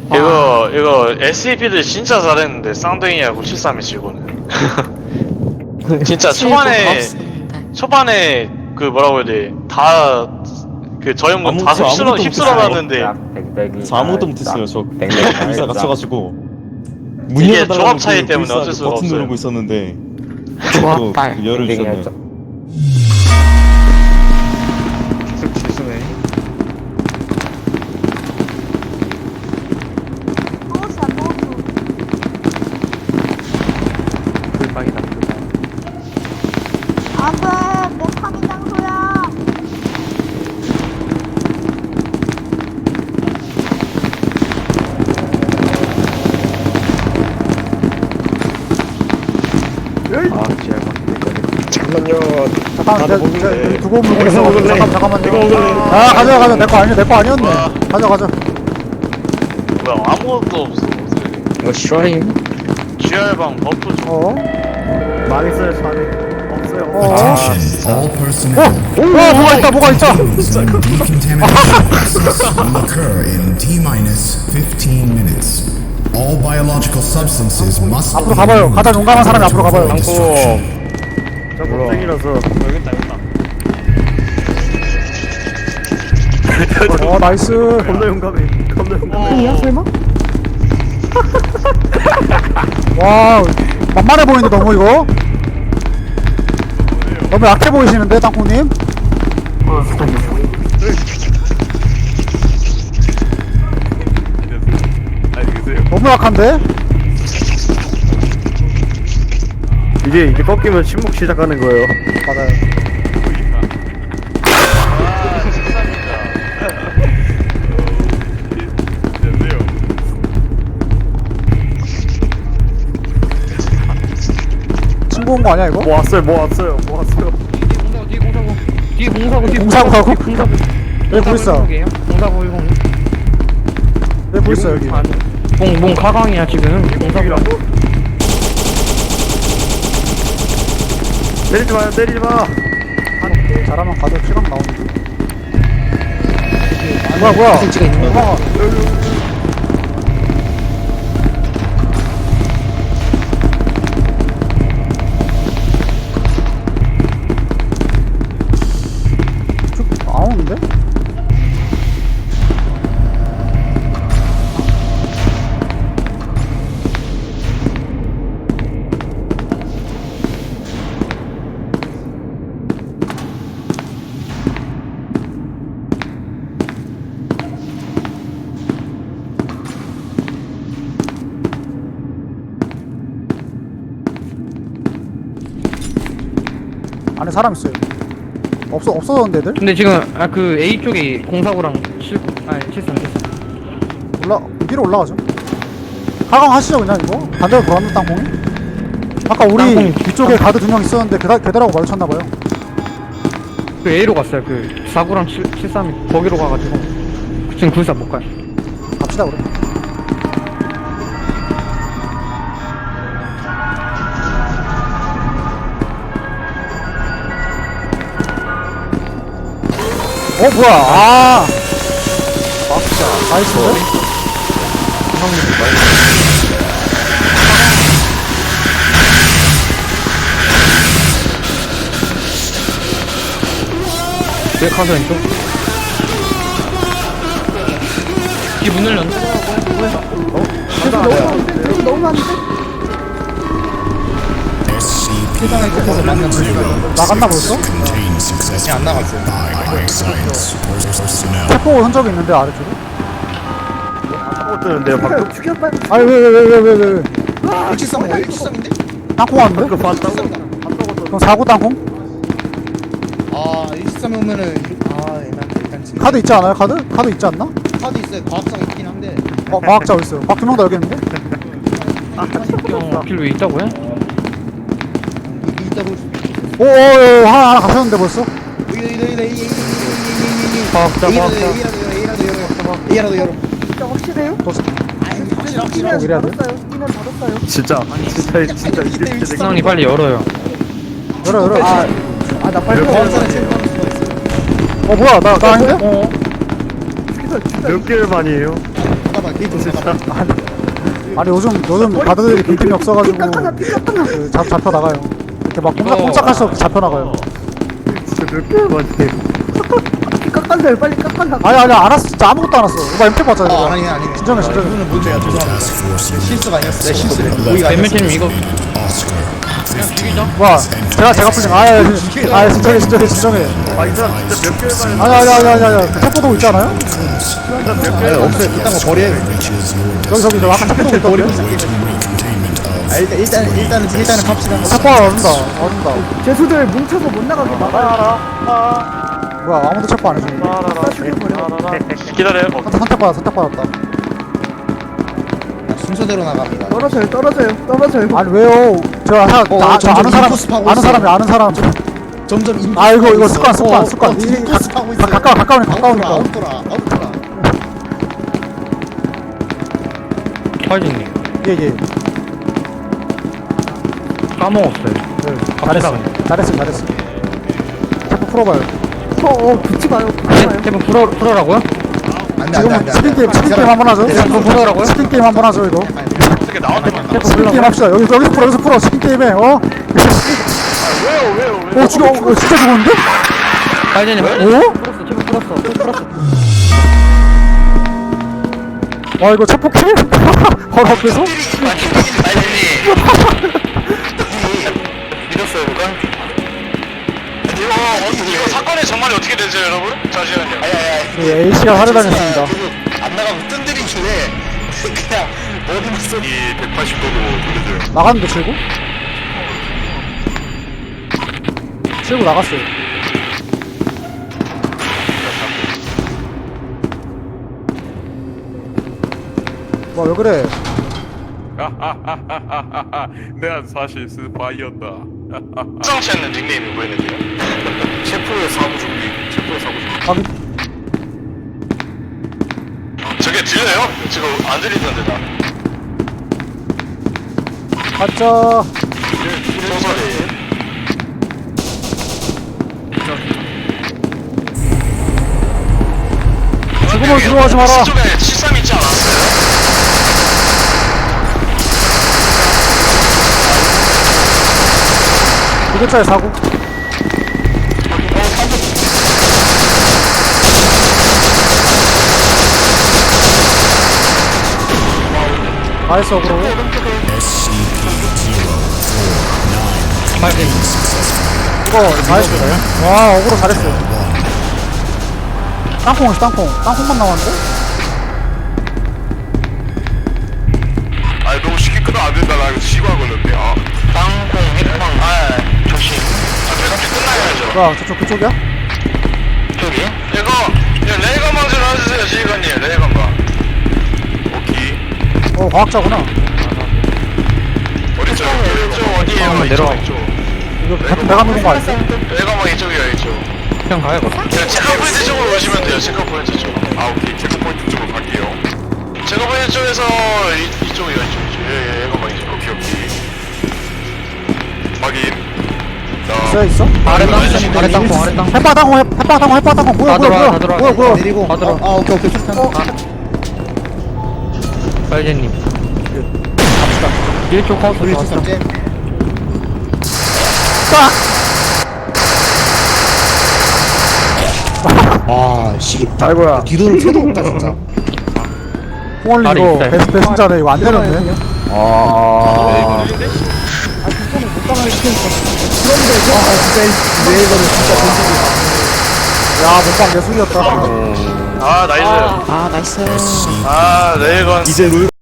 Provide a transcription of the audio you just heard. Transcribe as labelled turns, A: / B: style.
A: 이거 SCP들 진짜 잘했는데 쌍둥이하고 73이 지고는 진짜 초반에 그 뭐라고 해야 돼, 다 그 저 형은 다 휩쓸어놨는데
B: 아무것도 못했어요. 저 불사 갇혀가지고 문
A: 이게
B: 열어달라고
A: 조합 차이
B: 그
A: 때문에
B: 불사
A: 어쩔 수가
B: 버튼
A: 없어요.
B: 누르고 있었는데
C: 조합
B: 또 그 열을 주셨네요.
A: 지수네.
D: 불빵이다, 불빵.
E: 안돼, 내 파밍 장소야.
D: 아, 지랄
F: 잠깐만요.
G: 잠깐만,
F: 나도
G: 내가
F: 먹는데.
G: 두고 물고 있어. 잠깐만요.
F: 이거 먹을래.
G: 아, 가자. 내 거 아니었네. 가자.
A: 뭐야, 아무것도 없어.
C: 이거 슈라임?
A: GR방 버프 좀.
D: 망했어요, 저는. 없어요.
H: Attention, all personnel.
G: 뭐가 있다.
H: Some decontamination process will occur in T-minus 15 minutes. All biological substances must
G: 앞으로 가봐요. 가다 용감한 사람이 앞으로 가봐요.
H: destruction.
D: 저 겁쟁이라서.
A: 여깄다.
G: 나이스.
D: 겁나 용감해. 겁나 용감해.
G: 설마? 와, 만만해 보이는데 너무 이거? 너무 약해 보이시는데, 땅콩님? 너무 약한데?
D: 이제 꺾이면 침묵 시작하는 거예요.
G: 맞아요. 친구 온 거 아니야, 이거?
D: 뭐 왔어요.
G: 공사구하고? 왜 불있어?
C: 공사고 10.
G: 왜 불있어, 여기?
C: 뭔 가강이야 지금.
D: 공사기라고? 때리지 마.
G: 잘하면 가도 피감 나오는데. 뭐야?
C: 설치가 있는 거.
G: 나오는데? 안에 사람 있어요. 없어졌는데 애들?
C: 근데 지금 그 A 쪽에 공사고랑 73.
G: 위로 올라가죠. 가강 하시죠 그냥 이거? 반대로 돌았는 땅콩이? 아까 우리
C: 땅콩이
G: 뒤쪽에 가드 2명 있었는데 걔들하고 마주쳤나봐요.
C: 그 A로 갔어요. 그 49랑 73이 거기로 가가지고 지금 불사 못 가요.
G: 갑시다 그래. 뭐야? 나이스인데?
C: 왜 가서 왼쪽? 뒤문 열렸네?
E: 너무 많은데?
G: 나갔나 벌써?
H: Contain successful
F: 안 나갔어요.
H: by science personnel.
G: 태포 흔적이 있는데 아래쪽에?
D: 못 뜨는데요, 방금.
E: 죽여봐.
G: 아니 왜?
F: 173 뭐예요? 173인데?
G: 땅콩 왔는데?
D: 그거 봤다고?
G: 그럼 49 땅콩?
F: 아 173 오면은 일단 지금
G: 카드 있지 않아요? 카드 있지 않나?
F: 카드 있어요. 과학상 있긴 한데
G: 과학자 어딨어요? 박 2명 더 여기 있는데?
C: 길 왜 있다고요?
F: 여기 있다고.
G: 오오오 하나 가셨는데 벌써?
C: 과학자
F: A라도 열어.
E: 진짜 확실해요?
F: 확실하고
G: 이래야 돼?
E: 이면 닫았어요.
D: 진짜 이렇게
C: 승환이 빨리 열어요.
G: 열어
E: 나 빨리
G: 뭐야 나 아닌데?
D: 몇 개를 반이에요?
F: 나가봐 게이트 나가봐.
G: 아니 요즘 가드들이 빈틈이 없어가지고
E: 삐까까나 삐까까나.
G: 그 잡혀 나가요. 이렇게 막 꼼짝할 수 없이 잡혀 나가요.
D: 진짜 몇 개월 만에.
E: 깎아내요 빨리 깎아내.
G: 아니 안 왔어. 진짜 아무것도 안 왔어. 오빠 MP 봤잖아. 이거.
F: 아니네.
G: 진정해.
F: 이거는 문제야. 죄송합니다.
H: Task Force unit
F: 실수가 아니었어. 내 실수래. 고의가 아니었어.
C: 뱀맨팀 이거
H: Oscar.
G: 뭐야? 제가 풀린. 진정해.
D: 아, 이 사람 진짜 몇 개월 만에.
G: 아니. 그 첩보도 있잖아요.
F: 아니, 없어요. 그딴 거 버려요.
H: Reaches your
G: 저기 저 아까 첩보도 있던데.
H: containment of
F: 아, 일단은 갑시다.
G: 첩보가 얻는다.
E: 죄수들 뭉쳐서 못 나가게 막아라.
G: 뭐야? 아무도 첩보 안 해줘.
E: 다 죽여버려.
A: 기다려요.
G: 선택받았다.
F: 순서대로 나갑니다.
E: 떨어져요.
G: 아니 왜요? 저 아는 사람
F: 인코스 파고 있어.
G: 아는 사람.
F: 점점
G: 아 이거 습관.
F: 인코스 하고 있어.
G: 가까우니까.
F: 아웃도라.
C: 파이징님
G: 예.
C: 까먹었어요.
G: 잘했어. 자꾸 풀어봐요.
E: 붙지 마요.
C: 테이프 풀어라고요?
F: 안돼.
G: 치킨 게임 한번 하죠.
C: 그거 풀어라고요?
G: 치킨 게임 한번 하죠 이거.
A: 어떻게 나한테만 나?
G: 치킨 게임 합시다. 여기서 풀어. 치킨 게임에
A: 왜요?
G: 진짜 죽었는데?
C: 파이징님 풀었어. 테이프 풀었어.
G: 와 이거 첫 폭킬? 바로 앞에서?
A: 믿었어요, 누가? 이거 사건의 전말이 어떻게 되죠, 여러분? 잠시만요.
G: A씨가 살해당했습니다.
A: 안 나가면 뜬들이길래 그냥 어디만 쏘. 이 180도로 돌려줘요.
G: 나갔는데 칠구? 칠구 나갔어요. 와 왜 그래?
I: 내가 사실 스파이였다.
A: 수상치 않는 닉네임이 보이는데요. 셰프의 사무 준비.
G: 확인.
A: 저게 들려요? 지금 안 들리던데 나.
G: 가짜.
A: 소설이.
G: 죽으면 들어가지 마라.
A: 쪽에 73 있지 않았어요?
G: 이글자의 사고. 나이스 어그로.
C: 파이징
G: 이거 나이스네. 와 어그로 잘했어요. 땅콩만 나왔는데?
I: 아 너무 쉽게 끊어 안 된다. 나 이거 시간 걸렸대. 아.
A: 땅콩, 해빵, 조심. 배가 끝나야죠.
G: 뭐야 저쪽 그쪽이야?
A: 저기? 이거 레이건방 좀 해주세요, 지휘관님. 레이건방.
I: 오케이.
G: 과학자구나.
I: 어디죠?
A: 이쪽 어디에요?
C: 한번 내려와.
A: 이쪽.
G: 이거 같은 배가 누른 거 아니지?
A: 레이건방 이쪽이요, 이쪽.
C: 그냥 가요.
A: 체크포인트 쪽으로 오시면 돼요, 체크포인트 쪽.
I: 아 오케이. 체크포인트 쪽으로 갈게요.
A: 체크포인트 쪽에서 이쪽이요, 이쪽. 예, 레이건방 이쪽.
I: 오케이. 확인.
G: 있어?
C: 아래 땅콩.
G: 햇바 땅콩 뭐야
C: 다 들어와.
F: 내리고.
C: 다 들어와.
F: 오케이. 좋다.
C: 파이징님 1초 카운트
F: 우리
C: 나왔어.
F: 첫째. 아, 씨.
D: 아이고야.
F: 뒤도를 채도 없다 진짜.
G: 홍원리
C: 알이
G: 이거
C: 있어요.
G: 배승자네 이거 안 되는데?
D: 아.
F: 그런데 레이더를 진짜 던지고.
G: 야 못방 예술이었다.
A: 나이스.
G: 나이스.
A: 레이건.
D: 이제 룰